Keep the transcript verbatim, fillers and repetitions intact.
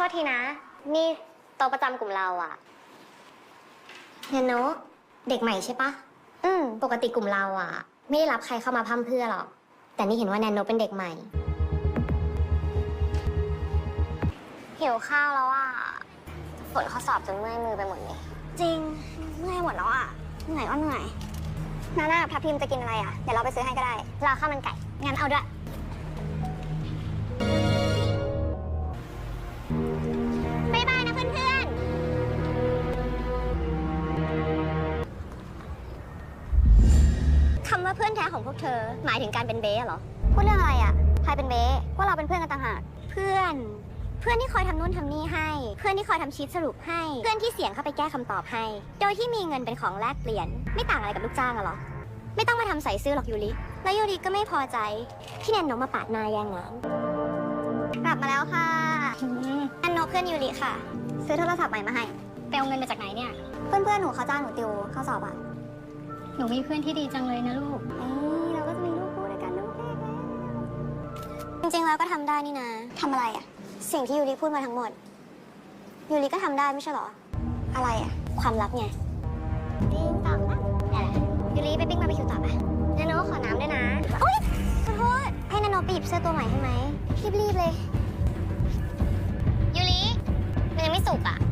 ษทีนะ นี่โต๊ะประจำกลุ่มเราอะเนโนะเด็กใหม่ใช่ปะอืมปกติกลุ่มเราอะไม่ได้รับใครเข้ามาพร่ำเพรื่อหรอก แต่นี่เห็นว่าแนนโนะเป็นเด็กใหม่หิวข้าวแล้วอะฝนข้อสอบจนเมื่อยมือไปหมดเลยจริงเมื่อยหมดแล้วอะเหนื่อยก็เหนื่อยนาน่าพับพิมจะกินอะไรอะเดี๋ยวเราไปซื้อให้ก็ได้เราข้าวมันไก่งั้นเอาด้วยบ๊ายบายนะเพื่อนๆคำว่าเพื่อนแท้ของพวกเธอหมายถึงการเป็นเบ้เหรอพูดเรื่องอะไรอะใครเป็นเบ้ว่าเราเป็นเพื่อนกันต่างหากเพื่อนเพื่อนที่คอยทำนู่นทำนี่ให้เพื่อนที่คอยทำชีทสรุปให้เพื่อนที่เสียงเข้าไปแก้คำตอบให้โดยที่มีเงินเป็นของแลกเปลี่ยนไม่ต่างอะไรกับลูกจ้างอะหรอไม่ต้องมาทำใส่ซื่อหรอกยูริแล้วยูริก็ไม่พอใจที่แนนโนะมาปาดหน้าแย่งงานกลับมาแล้วค่ะแนนโนะเพื่อนยูริค่ะซื้อโทรศัพท์ใหม่มาให้ไปเอาเงินมาจากไหนเนี่ยเพื่อนเพื่อนหนูเขาจ้างหนูติวข้อสอบอะหนูมีเพื่อนที่ดีจังเลยนะลูกเอ้ยเราก็จะมีลูกคู่ด้วยกันลูกแรกแล้วจริงๆแล้วก็ทำได้นี่นะทำอะไรอะสิ่งที่ยูริพูดมาทั้งหมดยูริก็ทำได้ไม่ใช่หรออะไรอะความลับไงปิ้งต่อปะยูริไปปิ้งบาร์บีคิวต่อปะนาโนะขอน้ำด้วยนะโอ๊ยขอโทษให้นาโนะไปหยิบเสื้อตัวใหม่ให้ไหมรีบๆเลยยูริมันยังไม่สุกอะ